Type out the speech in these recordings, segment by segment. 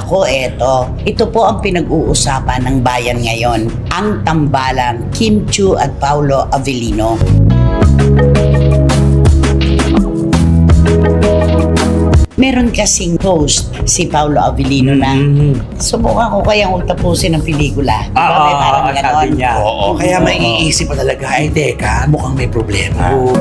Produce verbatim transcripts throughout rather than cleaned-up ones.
Nako, eto. Ito po ang pinag-uusapan ng bayan ngayon. Ang tambalang Kim Chiu at Paolo Avellino. Meron kasing host si Paolo Avellino na subukan ko kayang utapusin ng pelikula. Ah, Diba? May ah, parang ah, ganon. sabi niya. Oo, kaya maiisip pa talaga, ay teka, mukhang may problema. Oo.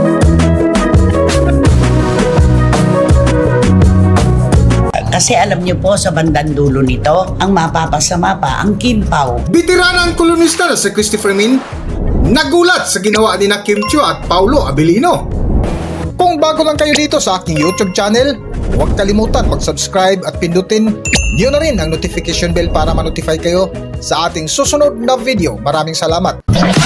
Kasi alam niyo po, sa bandang dulo nito, ang mapapasama pa ang Kim Pao. Bitiranang kolonista na si Christopher Min nagulat sa ginawa ni na Kim Chiu at Paolo Avellino. Kung bago lang kayo dito sa aking YouTube channel, huwag kalimutan mag-subscribe at pindutin niyo na rin ang notification bell para ma-notify kayo sa ating susunod na video. Maraming salamat.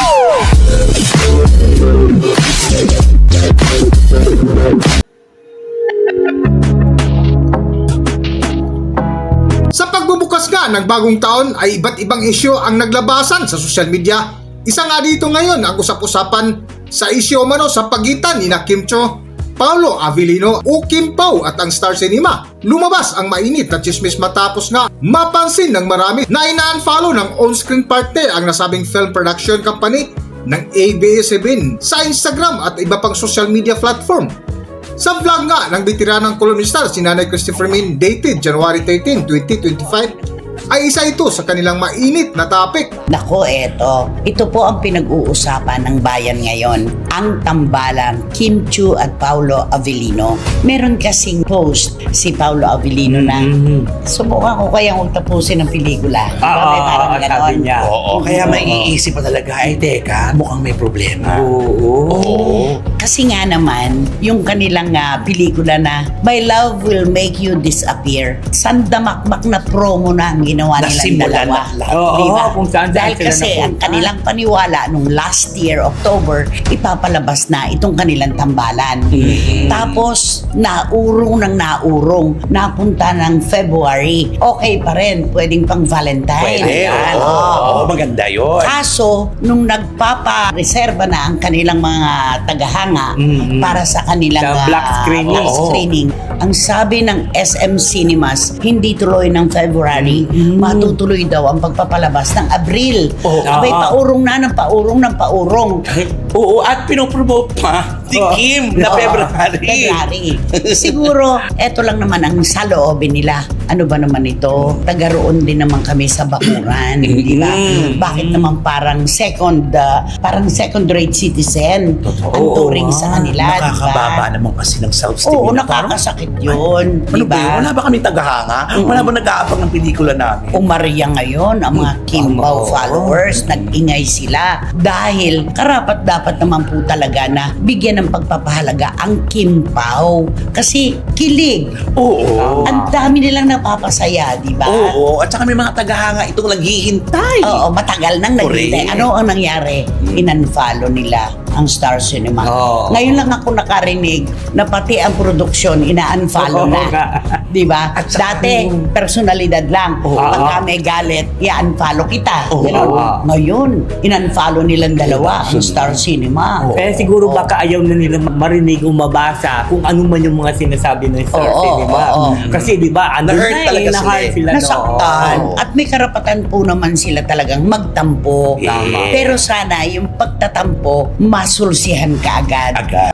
Sa pagbubukas nga ng bagong taon ay iba't ibang isyu ang naglabasan sa social media. Isa nga dito ngayon ang usap-usapan sa isyu umano sa pagitan ni na Kim Chiu, Paolo Avellino o Kim Pao at ang Star Cinema. Lumabas ang mainit na chismis matapos nga mapansin ng marami na ina-unfollow ng on-screen partner ang nasabing film production company ng A B S C B N sa Instagram at iba pang social media platform. Sa vlog nga ng bitiranang kolonista si Nanay Christopher Min dated January thirteenth, twenty twenty-five ay isa ito sa kanilang mainit na topic. Nako, eto. Ito po ang pinag-uusapan ng bayan ngayon. Ang tambalang Kim Chiu at Paolo Avellino. Meron kasing host si Paolo Avellino na subukan ko kayang utapusin ng pelikula. Ah, Diba? May ah, parang ah, ganon. sabi niya. Oo, kaya maiisip pa talaga, ay teka, mukhang may problema. Oo. Oo. Kasi nga naman, yung kanilang uh, pelikula na My Love Will Make You Disappear, sandamakmak na promo na ang ginawa nilang Nasimulan dalawa. na lahat. Oo, Diba? kung saan Dahil sila kasi ang napunta. kanilang paniwala nung last year, October, ipapalabas na itong kanilang tambalan. Mm. Tapos, naurong ng naurong, napunta ng February. Okay pa rin, pwedeng pang Valentine. Pwede, Ayan. oo. Oo, maganda yun. Kaso, nung nagpapa-reserva na ang kanilang mga tagahanga Mhm. para sa kanilang Sa ah, black screening. black Oo. screening, ang sabi ng S M Cinemas, hindi tuloy ng February, matutuloy daw ang pagpapalabas ng Abril. Oo. Abay, Ah. paurong na ng paurong ng paurong. Oo, at pinopromote pa si Oo. Kim na Oo, February. February. Siguro, eto lang naman ang saloobin nila. Ano ba naman ito? Tagaroon din naman kami sa bakuran, di ba? Mm. Bakit naman parang second, uh, parang second rate citizen Totoo. ang turing sa kanila, di ba? Nakakababa naman kasi ng self-esteem. Oo, nila. Parang, nakakasakit yun, ano di ba yun? ba? Wala ba kami tagahanga? Wala ba nag-aabang ng pelikula namin? Umarya ngayon ang mga Kimbao Oo. followers, nag-ingay sila dahil karapat dapat naman po talaga na bigyan ng pagpapahalaga ang Kimbao kasi kilig. Oo. Ang dami nilang napapasaya, di ba? Oo, at saka may mga tagahanga itong naghihintay. Oo, matagal nang naghintay. Correct. Ano ang nangyari? In-unfollow nila ang Star Cinema. Oo. Ngayon lang ako nakarinig na pati ang produksyon ina-unfollow Oo na. nga. Di ba? At saka Dati, yung- personalidad lang. Oo. Pagka may galit, i-unfollow kita. Oo. Ganon. Oo. Ngayon, in-unfollow nilang dalawa ang Star Cinema. Oo. Kaya siguro baka ayaw na nila marinig o mabasa kung ano man yung mga sinasabi ng Star Oo, Cinema. oo. Kasi di ba, ano Na-hurt na talaga eh, na-hurt sila eh. sila. Nasaktan. Oo. At may karapatan po naman sila talagang magtampo. Tama. Pero sana yung pagtatampo, masulsihan ka agad. Agad.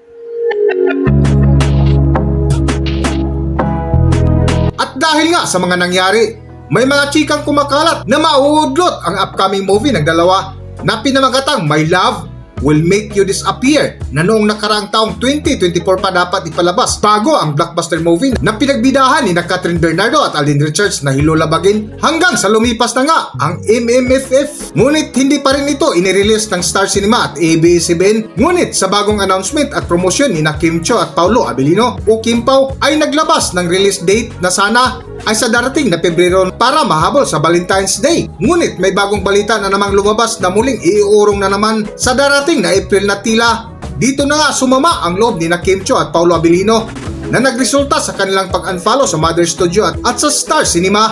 At dahil nga sa mga nangyari, may mga chikang kumakalat na mauudlot ang upcoming movie ng dalawa na pinamagatang My Love Will Make You Disappear na noong nakaraang taong twenty twenty-four pa dapat ipalabas bago ang blockbuster movie na pinagbidahan ni na Catherine Bernardo at Alden Richards na hilulabagin hanggang sa lumipas na nga ang M M F F. Ngunit hindi pa rin ito inirelease ng Star Cinema at A B S C B N. Ngunit sa bagong announcement at promosyon ni na Kim Chiu at Paolo Avellino o Kim Pao ay naglabas ng release date na sana ay sa darating na Pebrero para mahabol sa Valentine's Day. Ngunit may bagong balita na namang lumabas na muling iuurong na naman sa darating na April na tila. Dito na nga sumama ang loob ni na Kim Chiu at Paolo Avellino na nagresulta sa kanilang pag-unfollow sa Mother Studio at, at sa Star Cinema.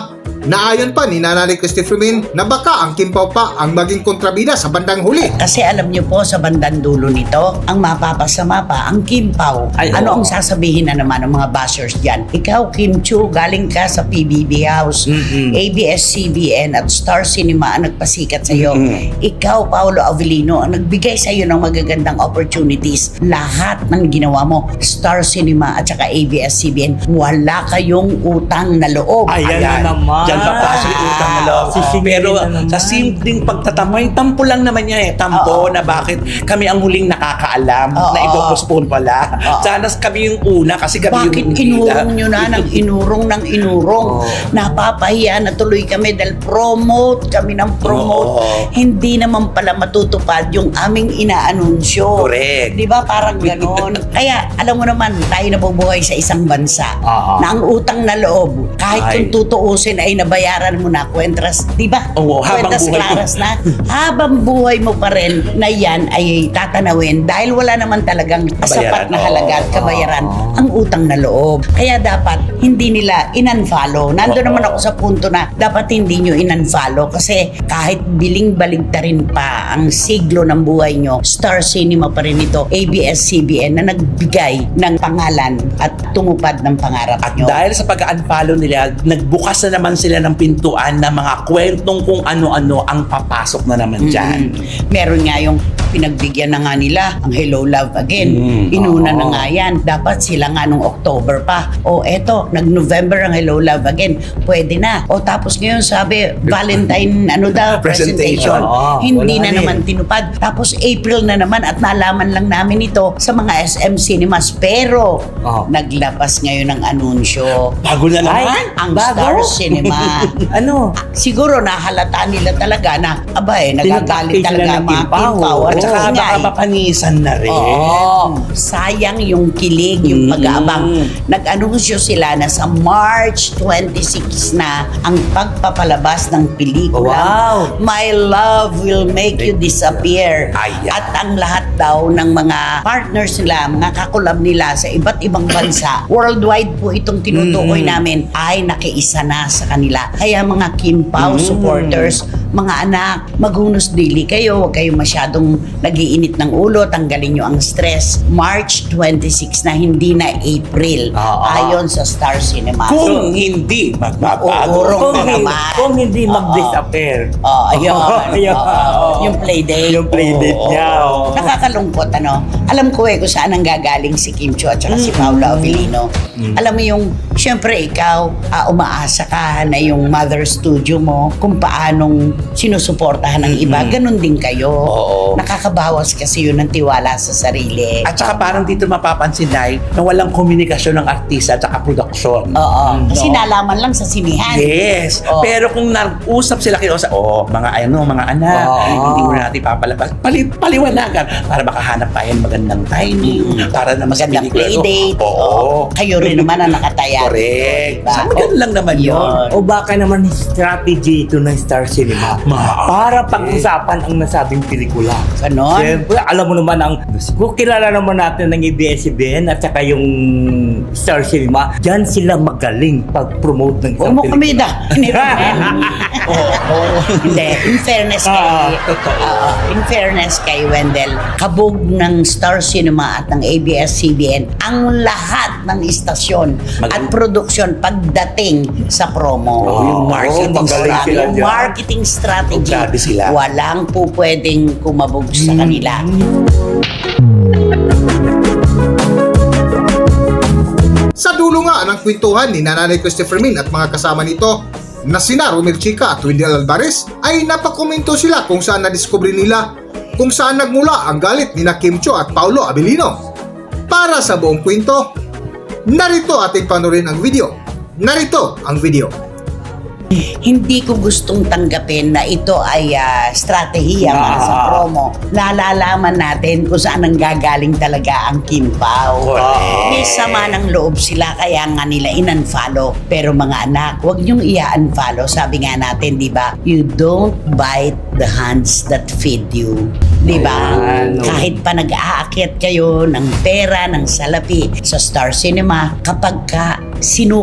na ayon pa ni Nanay Christopher Min na baka ang Kim Pao pa ang maging kontrabida sa bandang huli. Kasi alam niyo po sa bandang dulo nito, ang mapapasama pa, ang Kim Pao. Ay, ano oo. ang sasabihin na naman ng mga bashers dyan? Ikaw, Kim Chu, galing ka sa P B B House, Mm-mm. A B S C B N at Star Cinema ang nagpasikat sa iyo. Mm-mm. Ikaw, Paolo Avellino, ang nagbigay sa iyo ng magagandang opportunities. Lahat ng ginawa mo, Star Cinema at saka A B S C B N, wala kayong utang na loob. Ayan na naman. Diyan papasok yung utang na loob. Sisingilin Pero na naman. sa simpleng pagtatamay, tampo lang naman niya eh. Tampo Oo. na bakit kami ang huling nakakaalam Oo. na ipopostpone pala. Oo. Sana kami yung una kasi kami Bakit yung inurong nyo na ng inurong ng inurong? Oo. Napapahiya na tuloy kami dahil promote kami ng promote. Oo. Hindi naman pala matutupad yung aming inaanunsyo. Correct. Di ba? Parang ganon. Kaya alam mo naman, tayo nabubuhay sa isang bansa Oo. na ang utang na loob, kahit Ay. kung tutuusin ay nabayaran mo na, kwentras, di ba? Oo, habang Kwentras buhay mo. claras na. Habang buhay mo pa rin na yan ay tatanawin dahil wala naman talagang sapat na Oo. halaga at kabayaran Oo. ang utang na loob. Kaya dapat hindi nila in-unfollow. Nando Oo. naman ako sa punto na dapat hindi nyo in-unfollow kasi kahit biling-baligtarin pa ang siglo ng buhay nyo, Star Cinema pa rin ito, A B S C B N na nagbigay ng pangalan at tumupad ng pangarap At nyo. dahil sa pag-unfollow nila, nagbukas na naman sila ng pintuan na mga kwentong kung ano-ano ang papasok na naman dyan. Mm. Meron nga yung pinagbigyan na nga nila ang Hello Love Again. Mm, Inuna oo. na nga yan. Dapat sila nga nung October pa. O eto, nag-November ang Hello Love Again. Pwede na. O tapos ngayon sabi, Valentine ano daw, presentation. Presentation. Oo, Hindi wala na rin. naman tinupad. Tapos April na naman at nalaman lang namin ito sa mga S M Cinemas. Pero Oo. naglabas ngayon ng anunsyo. Bago na naman. Ang Bago? Star Cinema. Ano? Siguro nahalata nila talaga na aba eh, nagagalit Tinatake sila talaga ng ang mga Kim Pao. Kim Pao. At Oo saka nga baka eh. mapanisan na rin. Oo. Sayang yung kilig, yung Mm. pag-aabang. Nag-anunsyo sila na sa March twenty-six na ang pagpapalabas ng pelikula. Wow. My Love Will Make You Disappear. Ayan. At ang lahat daw ng mga partners nila, mga kakulab nila sa iba't ibang bansa, worldwide po itong tinutukoy Mm. namin, ay nakiisa na sa kanila. Kaya mga Kim Pao Mm. supporters, mga anak, maghunos dili kayo, huwag kayong masyadong nagiinit ng ulo, tanggalin nyo ang stress. March twenty-six na, hindi na April. Oo. Ayon sa Star Cinema. Kung hindi magbabago. Uurong Kung, na hindi, naman. kung hindi Oo. mag-disappear. Oh, ayun. Ayun. Oo. Yung playdate. Yung playdate Oo. niya, oo. Nakakalungkot, ano? Alam ko eh kung saan ang gagaling si Kim Chu at saka si Paolo Avellino. Alam mo yung, syempre ikaw, ah, umaasa ka na yung mother studio mo, kung paanong sinusuportahan ng iba, ganun din kayo. Oo. Nakakabawas kasi yun ng tiwala sa sarili. At saka parang dito mapapansin na na walang komunikasyon ng artista at saka production. Oo. Kasi No? nalaman lang sa sinihan. Yes. Oo. Pero kung nag-usap sila kayo sa, oh, mga ano, mga anak, Oo. hindi mo na natin papalabas. Pali, paliwanagan para makahanap tayo ng magandang timing, para naman sa Magandang pelikula. no? playdate. Oo. Kayo rin naman ang nakataya. Correct. Diba? Sana ganun lang naman yun. Yun. O baka naman strategy ito ng Star Cinema Ma- para pag-usapan ang nasabing pelikula. Ganon. Siyempre, alam mo naman ang kung kilala naman natin ng A B S C B N at saka yung Star Cinema, dyan sila magaling pag-promote ng Huwag isang mo kami pelikula. da. Hindi. In fairness kay, Ah, totoo. Oo. in fairness kay Wendell, kabog ng Star Cinema at ng A B S C B N, ang lahat ng istasyon Mag- at produksyon pagdating sa promo. Oo, yung marketing magaling strategy. sila Yung dyan. marketing strategy, Grabe sila. walang po pwedeng kumabog sa kanila. Sa dulo nga ng kwentuhan ni Nanay Christopher Min at mga kasama nito na sina Romel Chica at Wendell Alvarez ay napakomento sila kung saan nadiskubre nila kung saan nagmula ang galit ni na Kim Chu at Paolo Avellino. Para sa buong kwento, narito ating panorin ang video. Narito ang video. Hindi ko gustong tanggapin na ito ay ah, strategiya para sa Ah. promo. Nalalaman natin kung saan ang gagaling talaga ang Kim Pao. Correct. May sama ng loob sila kaya nga nila in-unfollow. Pero mga anak, huwag niyong i-unfollow. Sabi nga natin, di ba? You don't bite the hands that feed you. Di ba? Ayan, no. Kahit pa nag-aakyat kayo ng pera, ng salapi sa Star Cinema, kapag ka sinukat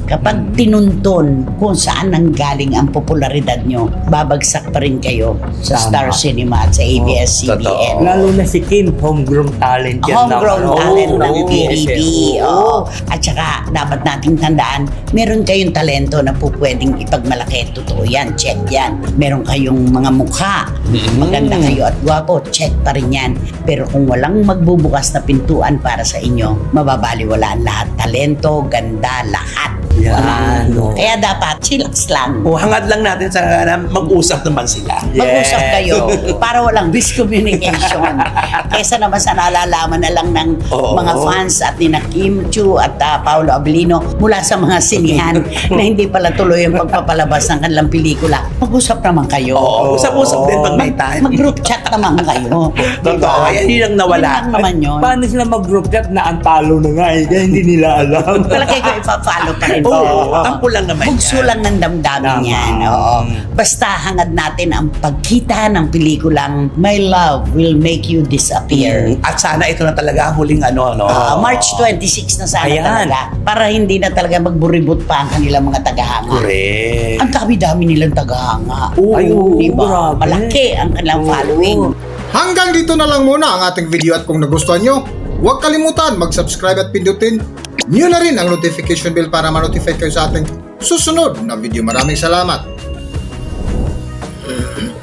Kapag tinuntun kung saan nanggaling ang popularidad nyo, babagsak pa rin kayo sa Tama. Star Cinema at sa A B S C B N. Totoo. Lalo na si Kim, homegrown talent yan. Homegrown ng- talent Oo, ng oo, T V B. oo. Oo. At saka, dapat nating tandaan, meron kayong talento na po pwedeng ipagmalaki. Totoo yan, check yan. Meron kayong mga mukha, maganda kayo at gwapo, check pa rin yan. Pero kung walang magbubukas na pintuan para sa inyo, mababaliwalaan lahat. Talento, ganda, lahat. Yan, Walang- oo. Kaya dapat, chillax lang. O hangad lang natin sa na mag-usap naman sila. Mag-usap Yes. kayo para walang miscommunication. Kesa naman sa nalalaman na lang ng Oo. mga fans at ni na Kim Chu at ah, Paolo Abilino mula sa mga sinihan na hindi pala tuloy ang pagpapalabas ng kanilang pelikula. Mag-usap naman kayo. Oo, usap-usap din pag may time. Mag-group chat naman kayo. Totoo, yan yun ang nawala. Yun lang naman yun. Paano sila mag-group chat na ang talo na nga eh, kaya hindi nila alam. Palagay ko ipa-follow pa rin. Oo, Oo. tampo lang naman Bugso yan. lang ng damdamin Tama. yan. Oo. Basta hangad natin ang pagkita ng pelikulang My Love Will Make You Disappear. At sana ito na talaga ang huling ano, no? Ah, March twenty-six na sana Ayan. talaga. Para hindi na talaga magburibot pa ang kanilang mga tagahanga. Correct. Ang dami-dami nilang tagahanga. Oo, Ay, di ba? grabe. Malaki ang kanilang Oo. following. Hanggang dito na lang muna ang ating video at kung nagustuhan nyo, huwag kalimutan mag-subscribe at pindutin nyo na rin ang notification bell para ma-notify kayo sa ating susunod na video. Maraming salamat!